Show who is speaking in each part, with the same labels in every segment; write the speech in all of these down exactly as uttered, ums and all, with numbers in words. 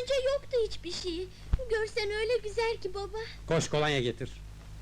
Speaker 1: önce yoktu hiçbir şey. Görsen öyle güzel ki baba.
Speaker 2: Koş kolonya getir.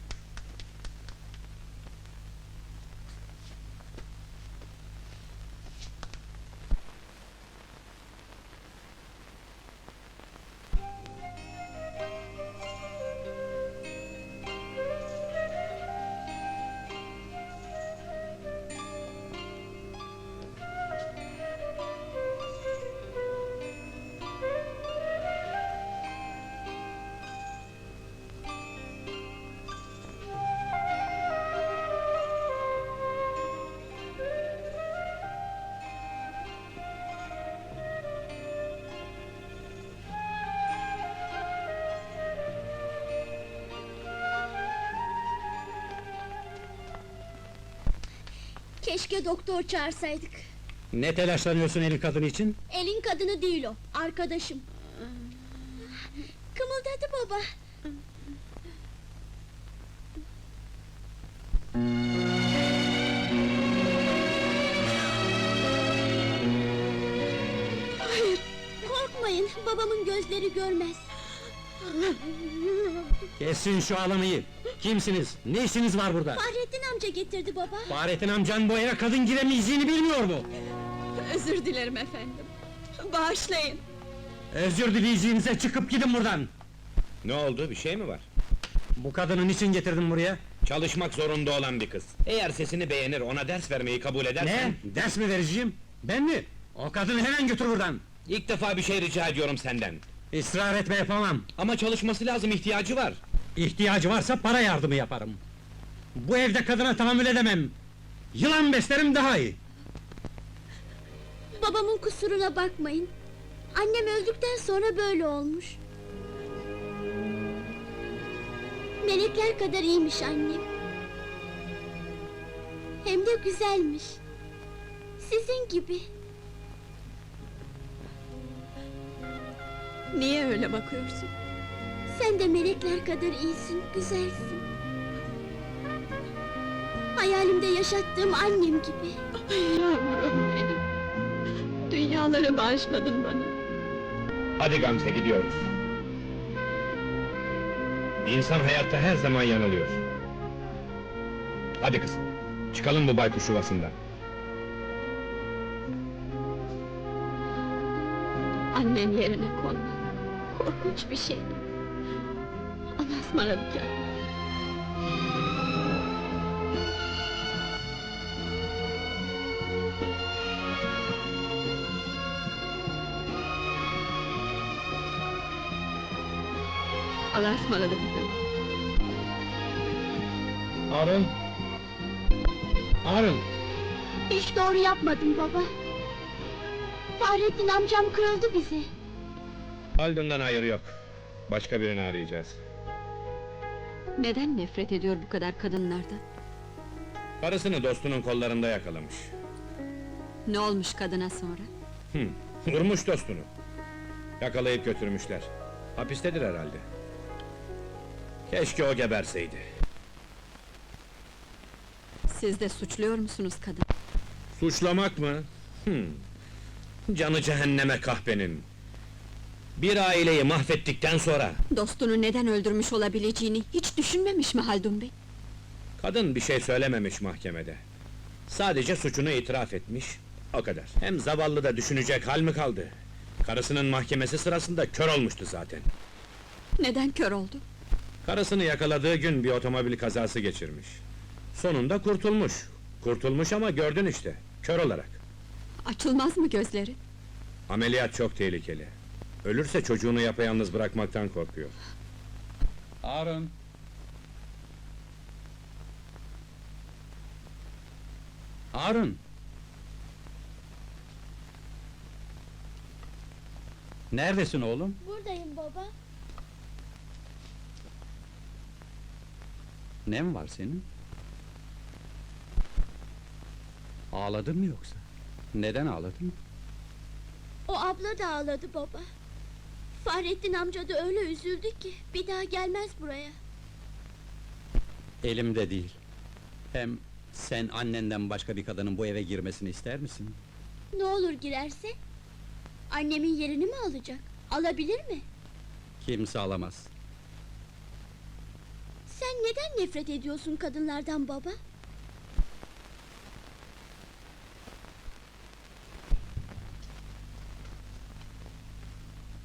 Speaker 1: Keşke doktor çağırsaydık.
Speaker 2: Ne telaşlanıyorsun elin kadını için?
Speaker 1: Elin kadını değil o, arkadaşım. Kımıldadı baba.
Speaker 3: Hayır!
Speaker 1: Korkmayın, babamın gözleri görmez.
Speaker 2: Kesin şu ağlamayı! Kimsiniz? Ne işiniz var burada?
Speaker 1: Fahrettin amca getirdi baba.
Speaker 2: Fahrettin amcan bu eve kadın giremeyeceğini bilmiyor mu?
Speaker 3: Özür dilerim efendim! Bağışlayın!
Speaker 2: Özür dileyeceğinize çıkıp gidin buradan!
Speaker 4: Ne oldu, bir şey mi var?
Speaker 2: Bu kadını niçin getirdin buraya?
Speaker 4: Çalışmak zorunda olan bir kız. Eğer sesini beğenir, ona ders vermeyi kabul edersen...
Speaker 2: Ne? Ders mi vereceğim? Ben mi? O kadını hemen götür buradan!
Speaker 4: İlk defa bir şey rica ediyorum senden.
Speaker 2: İsrar etme, yapamam!
Speaker 4: Ama çalışması lazım, ihtiyacı var.
Speaker 2: İhtiyacı varsa para yardımı yaparım! Bu evde kadına tahammül edemem! Yılan beslerim daha iyi!
Speaker 1: Babamın kusuruna bakmayın. Annem öldükten sonra böyle olmuş. Melekler kadar iyiymiş annem. Hem de güzelmiş. Sizin gibi.
Speaker 3: Niye öyle bakıyorsun?
Speaker 1: Sen de melekler kadar iyisin, güzelsin. Hayalimde yaşattığım annem gibi.
Speaker 3: Yavrum benim! Dünyaları bağışladın bana!
Speaker 4: Hadi Gamze, gidiyoruz. İnsan hayatta her zaman yanılıyor. Hadi kızım, çıkalım bu baykuş yuvasından.
Speaker 3: Annem yerine konma! Korkunç bir şey! Allah'a ısmarladık ya! Allah'a ısmarladık canım!
Speaker 2: Harun! Harun!
Speaker 1: Hiç doğru yapmadım baba. Fahrettin amcam kırıldı bize.
Speaker 4: Haldun'dan hayır yok. Başka birini arayacağız.
Speaker 3: Neden nefret ediyor bu kadar kadınlardan?
Speaker 4: Karısını dostunun kollarında yakalamış.
Speaker 3: Ne olmuş kadına sonra?
Speaker 4: Hı, vurmuş dostunu. Yakalayıp götürmüşler. Hapistedir herhalde. Keşke o geberseydi.
Speaker 3: Siz de suçluyor musunuz kadın?
Speaker 4: Suçlamak mı? Hı. Canı cehenneme kahpenin. Bir aileyi mahvettikten sonra...
Speaker 3: Dostunu neden öldürmüş olabileceğini hiç düşünmemiş mi Haldun Bey?
Speaker 4: Kadın bir şey söylememiş mahkemede. Sadece suçunu itiraf etmiş, o kadar. Hem zavallı da düşünecek hal mi kaldı? Karısının mahkemesi sırasında kör olmuştu zaten.
Speaker 3: Neden kör oldu?
Speaker 4: Karısını yakaladığı gün bir otomobil kazası geçirmiş. Sonunda kurtulmuş. Kurtulmuş ama gördün işte, kör olarak.
Speaker 3: Açılmaz mı gözleri?
Speaker 4: Ameliyat çok tehlikeli. Ölürse çocuğunu yapayalnız bırakmaktan korkuyor.
Speaker 2: Harun! Harun! Neredesin oğlum?
Speaker 1: Buradayım baba.
Speaker 2: Ne mi var senin? Ağladın mı yoksa? Neden ağladın?
Speaker 1: O abla da ağladı baba. Fahrettin amca da öyle üzüldü ki bir daha gelmez buraya.
Speaker 2: Elimde değil. Hem sen annenden başka bir kadının bu eve girmesini ister misin?
Speaker 1: Ne olur girerse? Annemin yerini mi alacak? Alabilir mi?
Speaker 2: Kimse alamaz.
Speaker 1: Sen neden nefret ediyorsun kadınlardan baba?